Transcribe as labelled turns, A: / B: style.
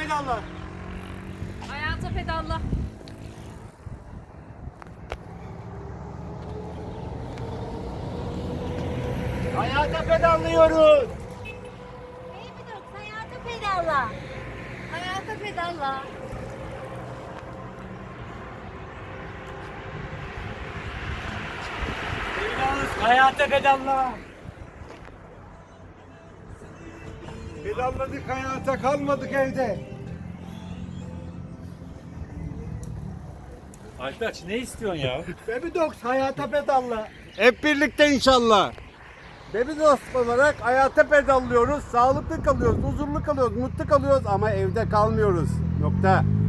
A: pedalla.
B: Hayata pedalla.
A: Hayata pedallıyoruz.
C: Baby hayata pedalla. Hayata pedalla.
A: Pedalız, hayata pedalla. Pedalladık hayata, kalmadık evde.
D: Aytaç ne istiyorsun ya?
A: Baby Dogs hayata pedalla. Hep birlikte inşallah. Baby Dogs olarak hayata pedallıyoruz. Sağlıklı kalıyoruz, huzurlu kalıyoruz, mutlu kalıyoruz ama evde kalmıyoruz. Nokta.